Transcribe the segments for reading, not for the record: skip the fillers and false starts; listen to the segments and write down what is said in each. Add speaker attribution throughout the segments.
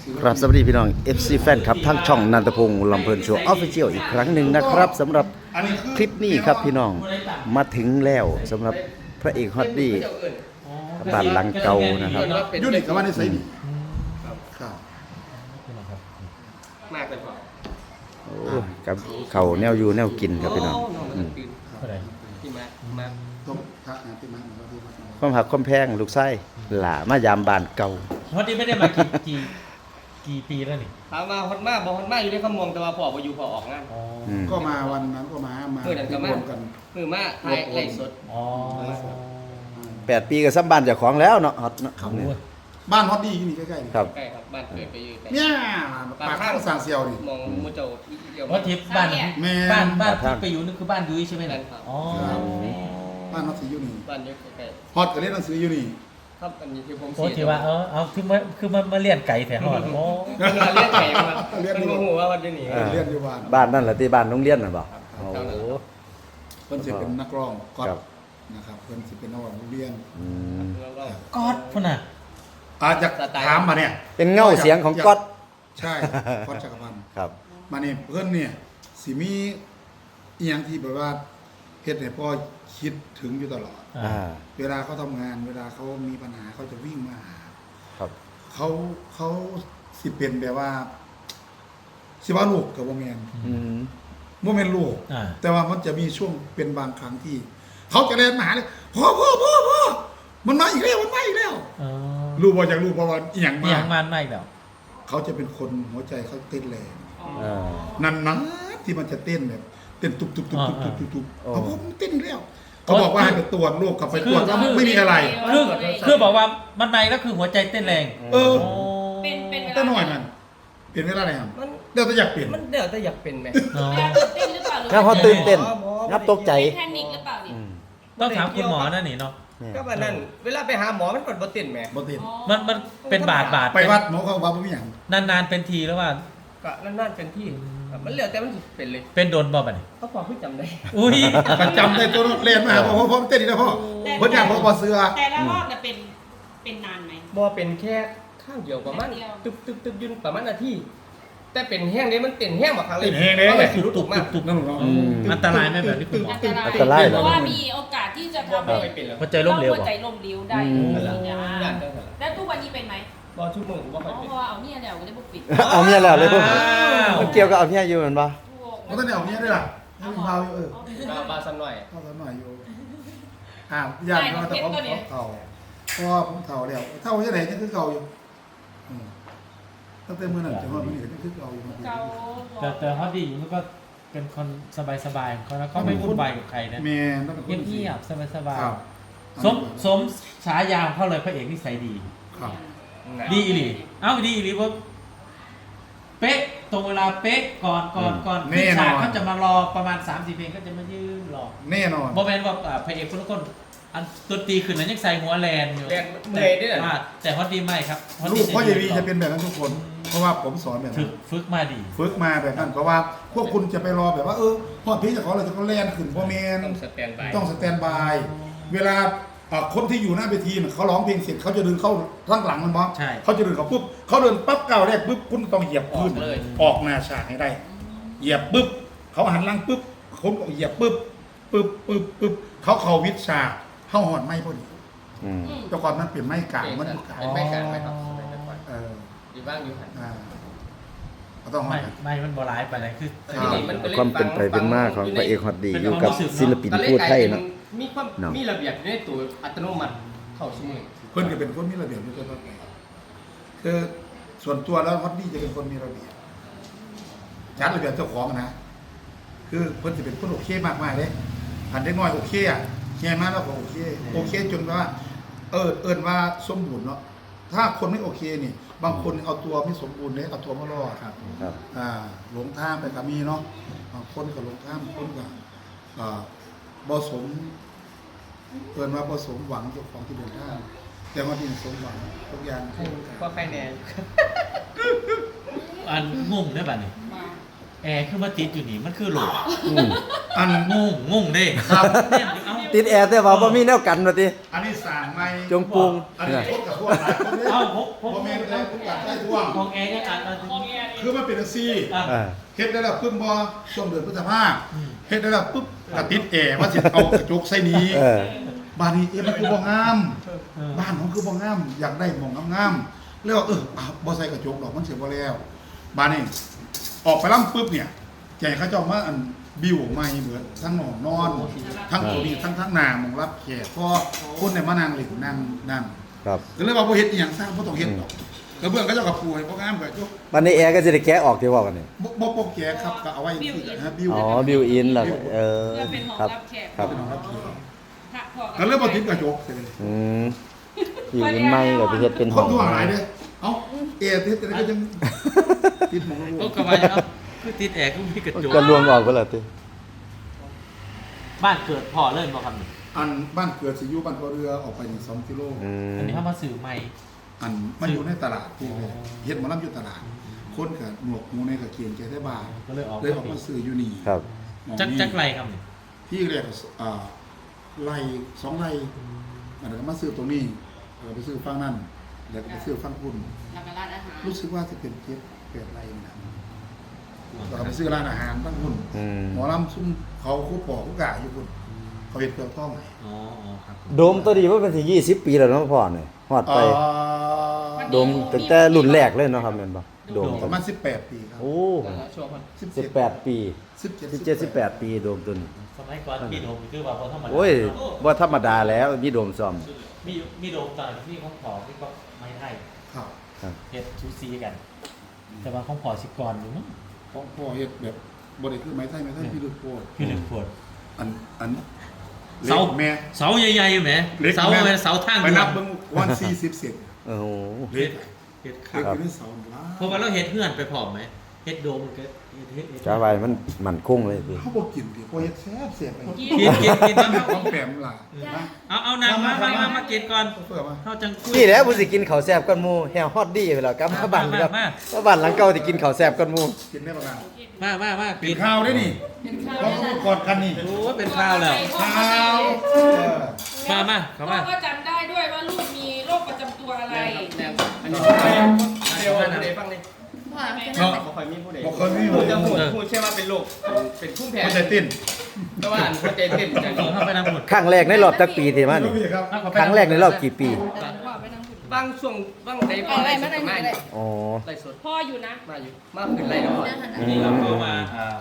Speaker 1: ครับสวัสดีพี่น้อง FC แฟนครับทั้งช่องนันทพงศ์ลำเพลินโชว์ออฟฟิเชียลอีกครั้งหนึ่งนะครับสำหรับคลิปนี้ครับพี่น้องมาถึงแล้วสำหรับพระเอกฮอตดี้บ้านหลังเก่านะครับ
Speaker 2: ยูนิคกับว่าในไซนี่ครับ
Speaker 3: มากเลยครับ
Speaker 1: โอ้กับเขาแนวอยู่แนวกินครับพี่น้อง
Speaker 3: ที่มา
Speaker 2: ต้องทักนะที่มันว่าที่มัน
Speaker 1: ความหักความแพงลูกไส้หล่ามายามบ้านเก่า
Speaker 4: วันนี้ไม่ได้มากี่ปีแล้วนี่
Speaker 3: ถามมาฮอตมากบอกฮอตมากอยู่ในคำมองแต่ว่าพออยู่พอออกงาน
Speaker 2: ก็มาวันนั้นก็มาที่รวมกัน
Speaker 3: มือมาไทยไล่สด
Speaker 4: อ๋อ
Speaker 1: 8 ปีก็ซ้ำบ้านเจ้าของแล้วเนาะฮอตเนาะ
Speaker 2: บ้านฮอตดี้ที่นี่ใกล้ๆนี่
Speaker 1: ครับ
Speaker 3: ใกล้ครับบ้านเกิดไปอยู่ใกล้
Speaker 2: เนี่ยปากข้างสางเซียวนี่
Speaker 3: มองมุจโจเดียว
Speaker 4: ว่าทิพย์บ้าน
Speaker 2: แม่
Speaker 4: บ้านที่ไปอยู่นี่คือบ้านยุ้ยใช่ไหมล่ะอ๋อ
Speaker 2: บ้านฮอตซีอยู่นี่
Speaker 3: บ้านอยู่ใกล้
Speaker 2: ฮอตก็เล่นหนังสืออยู่นี่
Speaker 3: ครับอันนี้ที่ผม
Speaker 4: โอ้ที่ว่าเอาคือมาเลี้ยงไก่แถวหอดโอ้
Speaker 3: เรียกไก่มาเรียกหัวว่าวันนี้
Speaker 2: เรียนอยู่บ้าน
Speaker 1: บ้านนั่นแหละที่บ้านโรงเรียนน่ะบ่โอ้โห
Speaker 2: เพิ่นสิเป็นนักร้องก๊อตนะครับเพิ่นสิเป็นนักร้องเรียน
Speaker 1: อืม
Speaker 4: กอดพุ่นน่ะ
Speaker 2: อาจจะถามมาเนี่ย
Speaker 1: เป็นเงาเสียงของก๊อต
Speaker 2: ใช่ก๊อตจักรพันธ์
Speaker 1: ครับ
Speaker 2: มาเนี่ยเพิ่นเนี่ยสิมีอีหยังที่แบบว่าเฮ็ดให้พ่อคิดถึงอยู่ตลอด
Speaker 1: อ่า
Speaker 2: เวลาเขาทำงาน เวลาเขามีปัญหาเขาจะวิ่งมาหา
Speaker 1: ครับ
Speaker 2: เขาสิเป็นแบบว่าสิว่าลูกกับโมเมน
Speaker 1: อืม
Speaker 2: โมเมนลูก
Speaker 4: อ่า
Speaker 2: แต่ว่ามันจะมีช่วงเป็นบางครั้งที่ เขาจะเรียนมาหาเลยพ่อมันมาอีกแล้วมันมาอีกแล้ว
Speaker 4: อ๋อ
Speaker 2: รู้บ่จากรู้เพราะว่าอีหยัง
Speaker 4: นี่
Speaker 2: มา
Speaker 4: ยังมันไม่แล้ว
Speaker 2: เขาจะเป็นคนหัวใจเขาเต้นแรง
Speaker 1: อ่า
Speaker 2: นานๆที่มันจะเต้นแบบเต้นตุบ
Speaker 1: อ๋อ
Speaker 2: เขาบอกมันเต้นอีกแล้วเขาบอกว่าให้ไปตรวจโรคกลับไปตรวจแล้วไม่มีอะไร
Speaker 4: คือบอกว่ามันไม่แล้วคือหัวใจเต้นแรง
Speaker 2: เออ
Speaker 4: โอ้
Speaker 5: เป็นเวลา
Speaker 2: แต่หน่อยมันเปลี่ยนเวลาไหนครับ
Speaker 3: มัน
Speaker 2: เดี๋ยวจะอยากเปลี่ยน
Speaker 3: มันเดี๋ยวจะอยากเป็นไหม
Speaker 4: อ๋อ
Speaker 5: เวลาตื่นเต้นหรือเปล่าหรือ
Speaker 1: งับเขาตื่นเต้นงับตกใจ
Speaker 5: แพนิคหรือเปล่านี่
Speaker 1: อืม
Speaker 4: ต้องถามคุณหมอนั่นนี่เนาะ
Speaker 1: เนี่ย
Speaker 3: ก็แบบนั้นเวลาไปหาหมอมันกดบ่ติดไหม
Speaker 2: บ่ติด
Speaker 5: อ๋อ
Speaker 4: มันเป็นบาด
Speaker 2: ไปวัดหมอเขาว่าบ่มีหยัง
Speaker 4: นานๆเป็นทีแล้วว่า
Speaker 3: ก็นั่นๆเป็นที่มันเหลือแต่มันเป็นเลย
Speaker 4: เป็นโดนบ่บัดนี้
Speaker 3: เขาพอพี่จำได้
Speaker 4: อุ้ย
Speaker 2: มันจำได้ตัวเรียนมาพ่อเต้นอีกแล้วพ่อเพิ่นอยากพ่อเสือ
Speaker 5: แต่ละรอบเนี่ยเป็นนานไหม
Speaker 3: บ่เป็นแค่ข้างเดียวประมาณ
Speaker 5: แค่เดียว
Speaker 3: ตึบยืนประมาณนาทีแต่เป็นแห้งนี้มันเป็นแห้งบักครั้งเลย
Speaker 2: เต้นแห้งเลย
Speaker 3: ก็เลยรู้ตุกมาก
Speaker 2: นั่นหรอ
Speaker 4: อืมอันตรายไหมแบบที่คุณหมอ
Speaker 5: อันตราย
Speaker 1: อันตรายเหรอ
Speaker 5: เพราะว่ามีโอกาสที่จะทำให้
Speaker 3: ไม่เป็นแล้ว
Speaker 4: หัวใจล้มเหลว
Speaker 5: หัว
Speaker 4: บ่
Speaker 5: ใจล้มเหลวได้
Speaker 1: อืม
Speaker 5: นะแล้วทุกวันนี้เป็นไหม
Speaker 3: บ่ชั่วโมงบ่
Speaker 5: อ๋
Speaker 3: ค่
Speaker 5: อ
Speaker 3: อยเป็น
Speaker 5: เพราะว่าเอาเนี่ยเดี๋ยวจะบุกปิด
Speaker 1: เอาเมียแล้วเลยพวก
Speaker 4: อ้าว
Speaker 1: มันเกี่ยวกับเอาเมียอยู่เหมือนปะ
Speaker 2: มันต้องเอาเนี้ยด้วยล่ะให้มันเบาอยู่
Speaker 3: บาซ้ำหน่อย
Speaker 2: เข้าสักหน่อยอยู่ญาติเขาแต่ผมเฒ่าเพราะว่าผมเฒ่าแล้วเฒ่าจังได๋ยังคือเก่าอยู่ตั้งแต่มื้อนั้นจนว่ามื้อนี้ก็ยังคือเก่าอยู่
Speaker 5: เกา
Speaker 4: แต่ฮอตดี้มันก็เป็นคนสบายๆของเขานะเขาไม่วุ่นวายกับใครนะ
Speaker 2: แม่ต้องเป็นคน
Speaker 4: เงียบๆสบาย
Speaker 2: ครับ
Speaker 4: ๆสมฉายาของเขาเลยพระเอกนิสัยดี
Speaker 2: ครับ
Speaker 4: ดีอีหลีเอ้าดีอีหลีว่าเป๊ะตรงเวลาเป๊ะก่อนขึ้นฉากเขาจะมารอประมาณ 3-4 เพลงก็จะมายืนรอ
Speaker 2: แน่นอน
Speaker 4: โมเมนต์ว่าพระเอกคนละคนอันดนตรีขึ้นนั้นยังใส่หัวแลนอยู่
Speaker 3: แลนเมื่อยด้วยเหรอ
Speaker 4: แต่ฮอตดีไม่ครับฮอต
Speaker 2: ลู
Speaker 4: ดี
Speaker 2: กพ่อเยวีจะเป็นแบบนั้นทุกคน เพราะว่าผมสอนแบบนั้น
Speaker 4: ฝึกมาดี
Speaker 2: ฝึกมาแบบนั้นเพราะว่าพวกคุณจะไปรอแบบว่าพอดเพลงจากเขาเราจะก็แล่นขึ้นพ่อแมน
Speaker 3: ต้องสแตนบาย
Speaker 2: ต้องสแตนบายเวลาคนที่อยู่หน้าเวทีเขาร้องเพลงเสร็จเขาจะเดินเข้าข้างหลังมันบ้าง
Speaker 4: ใช่
Speaker 2: เขาจะเดินเขาปุ๊บเขาเดินปั๊บก้าวแรกปุ๊บคุณต้องเหยียบพื้นออกหน้าฉากให้ได้ เหยียบปุ๊บเขาหันหลังปุ๊บคุณก็เหยียบปุ๊บเขาเข่าวิดฉากเข้าหอนไม่พอดี
Speaker 1: อืม
Speaker 2: แต่ก่อนมันเปลี่ยนไม้กลางมันกลาง
Speaker 3: เป็นไม่การไม่ครับเป็นไม่
Speaker 2: เออ
Speaker 3: อยู่บ้างอยู่หัน
Speaker 2: ก็ต้องหอ
Speaker 4: ไม่
Speaker 2: น
Speaker 4: ไม่มันบอร้ายไปเลยคือ
Speaker 1: ความเป็นไปเป็นมาของพระเอกฮอตดี้อยู่กับศิลปินพูดไทยเนาะ
Speaker 3: มีความมีระเบียบในตัวอัตโนมัติเข้าสมุน
Speaker 2: เพื่อนก็เป็นคนมีระเบียบอยู่ตัวไปคือส่วนตัวแล้วฮอตดี้จะเป็นคนมีระเบียบจัดระเบียบเจ้าของนะคือเพื่อนจะเป็นคนโอเคมากเลยอันเด็กน้อยโอเคอ่ะแง่มากแล้วก็โอเคจนว่าเอิญว่าสมบูรณ์เนาะถ้าคนไม่โอเคนี่บางคนเอาตัวไม่สมบูรณ์เนี่ยเอาตัวมารอดครับ
Speaker 1: ครับ
Speaker 2: หลงทางไปก็มีเนาะบางคนก็หลงทางบางคนก็บ่สมเอิญว่าบ่สมหวังเจ้าของที่เดินทางแต่ว่าที่สมหวังทุกอย่าง
Speaker 3: ก็ใครแน่
Speaker 4: อันงงได้ป่ะนี่
Speaker 5: มา
Speaker 4: แอร์คือมาติดอยู่นี่มันคือหลุด
Speaker 1: อืม
Speaker 2: อัน
Speaker 4: งงเด้
Speaker 2: ครับ
Speaker 4: เนี่ยเอ้า
Speaker 1: ติดแอร์แต่ว่าบ่มีแนวกันว่าติ
Speaker 2: อันนี้สั่งไม่
Speaker 1: จงปรุง
Speaker 2: อันนี้พวกกับพวกหลายคนเนี่ย
Speaker 4: เอาพก
Speaker 2: พ่อแม่ก็ได้พวกกัดได้ท่วง
Speaker 4: ของแอร์เนี่ยอ่านมา
Speaker 5: ห้องแอร์
Speaker 2: คือมันเป็นอาซี
Speaker 1: อ่า
Speaker 2: เฮ็ดได้แล้วปึ๊บบอช่วงเดือนพฤษภาเฮ็ดได้แล้วปึ๊บกระติดแอร์ว่าสิเอากระจกใส่นี้
Speaker 1: เออ
Speaker 2: บ้านนี้มันคือบ่งาม บ้านของคือบ่งามอยากได้หมองงามๆแล้วบ่ใส่กระจกดอกมันเสียบ่แล้วบ้านนี้ออกไปล่ำปึ๊บเนี่ยใจเขาเจ้ามาอันบิวใหม่เหมือนทั้งหนอนนอน ทั้งตัวนี้ทั้งหน้าหมองรับแขกพอคนเนี่ยมานั่งเล่นนั่ง
Speaker 1: ครับ
Speaker 2: ก็เลยว่าบ่เฮ็ดอีหยังสร้างบ่ต้องเฮ็ดดอกกระเบื้องเขาเจ้าก็ปูให้บ่งามก็จก
Speaker 1: วันนี้แอร์ก็สิได้แกะออกที่ว่ากันนี่
Speaker 2: บ่แก่ครับก็เอาไว้ที่ฮะบิว
Speaker 1: อ๋อบิวอินล่ะเออ
Speaker 5: เพื่อเป็นห้อง
Speaker 1: ครับ
Speaker 5: รับแขก
Speaker 1: ครับ
Speaker 2: เป็นของรับแขก
Speaker 5: พระพ่อ
Speaker 2: ก็เลยบ่ติดกระจกเลย
Speaker 1: อืมบิวอินใหม่ก็สิเฮ็ดเป็น
Speaker 2: ค
Speaker 1: ห้อน ง
Speaker 2: ทั่วหลายเด้เอ้าเอเฮ็ดแต่ก็จังติดหมอง
Speaker 4: โอ้
Speaker 2: ลูก
Speaker 4: กระบะเนาะคือติดแอร์ก็มีกระจก
Speaker 1: ก็รวมออกเพิ่นล่ะติ
Speaker 4: บ้านเกิดพ่อเริ่มบ่ครับนี่
Speaker 2: อันบ้านเกิดสิอยู่บ้านพ่อเรือออกไปนี่2กิโล
Speaker 1: อืม
Speaker 4: อันนี้เขามาสื่อใหม่
Speaker 2: อันมันอยู่ในตลาดที่เลยเฮ็ดหมอลำอยู่ตลาด คนก็หมวกหมูในก็เกียงใจได้บ้าน
Speaker 4: ก็เลยออก
Speaker 2: เลยออกมาซื้ออยู่นี่
Speaker 1: ครับ
Speaker 2: หม้อง
Speaker 4: จัก
Speaker 2: นี้
Speaker 4: จักไรครับนี่
Speaker 2: ที่เรียกไร่2ไร่อันนั้นก็มาซื้อตรงนี้แล้วก็ไปซื้อฝั่งนั้นแล้วก็ไปซื้อฝั่งคุณ
Speaker 5: แล้วก็ร้านอาหาร
Speaker 2: รู้สึกว่าจะเป็น8ไร่นะแล้วก็ไปซื้อร้านอาหารฝั่งคุณ
Speaker 1: อืม
Speaker 2: หมอลำซุ่มเขาคู่ปอกคู่กะอยู่คุณเขาเฮ็ดเปลือกทองให้
Speaker 4: อ๋อครับ
Speaker 1: โดมตัวนี้ว่าเป็นสิ20 ปีแล้วเนาะพ่อนี่ฮอดไป
Speaker 2: อ่า
Speaker 1: โดมตั้งแต่รุ่นแรกเลยเนาะครับแม่นบ่โดม
Speaker 2: ประมาณ18 ปีครับ
Speaker 1: โอ้
Speaker 3: ช่วงมัน
Speaker 1: 18 ปี
Speaker 2: 17
Speaker 1: 18 ปีโดมตัวนี้
Speaker 4: สมัยก่อนมีโดมคือว่าพอธรรมดา
Speaker 1: โอ้ยว่าธรรมดาแล้วมีโดมซ่อม
Speaker 4: มีโดมตอนที่ของพ่อที่ก็ไม่ให้
Speaker 2: ครับ
Speaker 4: เฮ็ดชูซีกัน แต่ว่าของพ่อสิก่อนอยู่มั้ง
Speaker 2: ของพ่อเฮ็ดแบบบ่ได้คือไม้ไทยพี่ลึกโพด
Speaker 4: คือหนึ่งขวด
Speaker 2: อัน
Speaker 4: เสา
Speaker 2: แม่
Speaker 4: เสาใหญ่ๆแหม
Speaker 2: เล็ก
Speaker 4: เสา
Speaker 2: แม่
Speaker 4: แม่เสาทาง
Speaker 2: ไป
Speaker 4: ด่ว
Speaker 2: นับ
Speaker 4: น
Speaker 2: เบิ่งวัน40เซน
Speaker 1: โอ้โห
Speaker 2: เล็ก
Speaker 4: เฮ็ด
Speaker 2: เล็
Speaker 4: ขาก
Speaker 2: อยู่ในเสาหลาย
Speaker 4: เพราะว่าเราเฮ็ดเฮือนไปพร้อมไหมเฮ็ดโดมมันก็เฮ็ด
Speaker 1: จ้าไว้มันคงเลยสิ
Speaker 2: เขาบ่กินดิบ่เฮ็ดแซ่บๆไป
Speaker 4: กินน้ำ
Speaker 2: ของแปมล่ะนะ
Speaker 4: เอาน้ำมากินก่อน
Speaker 2: เพื่อมา
Speaker 4: เฮาจังคุย
Speaker 1: นี่แหละผู้สิกินข้าวแซ่บกันหมู่แฮวฮอตดีไปแล้วกลับมาบ้านครับ
Speaker 4: มา
Speaker 1: มาบ้านหลังเก่าที่กินข้าวแซ่บกันหมู่
Speaker 2: กินได้บ่ล่ะ
Speaker 4: มา
Speaker 2: กินข้าวได้นี่
Speaker 5: เป็นข้าว
Speaker 2: เพราะเขากอดกันนี่
Speaker 4: โอ้เป็นข้าวแล้ว
Speaker 2: ข้าว
Speaker 4: มาเข้ามา
Speaker 5: พ่อก็จำได้ด้วยว่าลูกมีโรคประจำตัวอะไร
Speaker 3: แนวอันนี้เดียวผู้ใดฟังเลย
Speaker 2: เนาะ
Speaker 3: บ่ค่อยมีผู้ใด
Speaker 2: บ่เคยมี
Speaker 3: พูดจะพูดแค่ว่าเป็นโรคเป็นภูมิแพ้
Speaker 2: มันจะติ้น
Speaker 3: แต่ว่าอันหัวใจเต้นจัง
Speaker 4: เข้าไปน้ำหมด
Speaker 1: ครั้งแรกในรอบจักปีที่มานี่
Speaker 2: รู้ครับ
Speaker 1: ครั้งแรกในรอบกี่ปี
Speaker 3: บางช่วงบางใดพ่อได้สุดมาอยู่
Speaker 1: อ๋อ
Speaker 3: ไล่สด
Speaker 5: พ่ออยู่นะ
Speaker 3: มาอยู่มาขึ้นไล่แล้วพ่อ
Speaker 4: นี่เราก็มา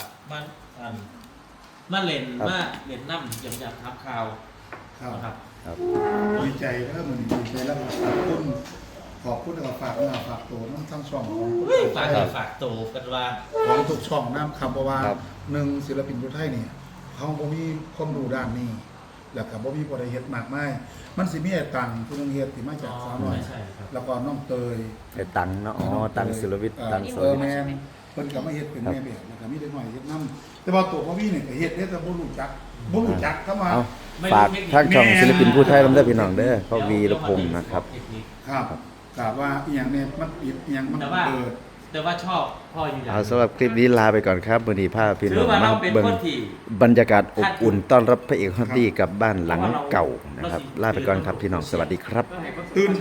Speaker 4: มาเล่นน้ำยำทับข่าว
Speaker 2: ครับ
Speaker 4: นะครับ
Speaker 1: ครับ
Speaker 2: ดีใจแล้วมันดีใจแล้วขอบคุณแล้วก็ฝากฝากตัวน้องทั้งช่องของ
Speaker 4: ฝากโตกันว่า
Speaker 2: ของทุกช่องน้ำคำเพราะว่า
Speaker 1: ครับ
Speaker 2: หนึ่งศิลปินผู้ไทยเนี่ยเขาบ่มีความรู้ด้านนี้แล้วก็บ่มีบ่ได้เฮ็ดมากมายมันสิมีไอ้ตังผู้นึงเฮ็ดที่มาจากสาวน้อย
Speaker 4: ใช่ครับ
Speaker 2: แล้วก็น้องเตย
Speaker 1: ไอ้ตังเนาะอ๋อตังศิลวิทย์ตังศิลวิทย์
Speaker 2: แม่นเพิ่นก็มาเฮ็ดเป็นแม่แบบแล้วก็มีเด็กน้อยเฮ็ดนํแต่ว่าตัวพ่อพี่เนี่ยก็เฮ็ดแต่บ่รู้จักเข้ามา
Speaker 1: เอาฝากทางช่องศิลปินผู้ไทยลำได้พี่น้องเด้อพ่อวีรพงศ์นะครับ
Speaker 2: ครับกราบว่าอีหยังเนี่ยมันปิดอีหยังมัน
Speaker 4: แต่ว่า
Speaker 2: เปิด
Speaker 4: แต่ว่าชอบพ่ออยู่อย่าง
Speaker 1: เอาสำหรับคลิปนี้ลาไปก่อนครับมื้อนี้พาพี่
Speaker 4: ถื
Speaker 1: น้อ
Speaker 4: อง ว่า
Speaker 1: มา
Speaker 4: เราเป็น
Speaker 1: เบิ่ง
Speaker 4: คนที่
Speaker 1: บรรยากาศอบอุ่นต้อนรับพระเอกฮอตดี้กลับบ้านหลังเก่านะครับ ลาไปก่อนครับพี่น้องสวัสดีครับ
Speaker 2: ตื่น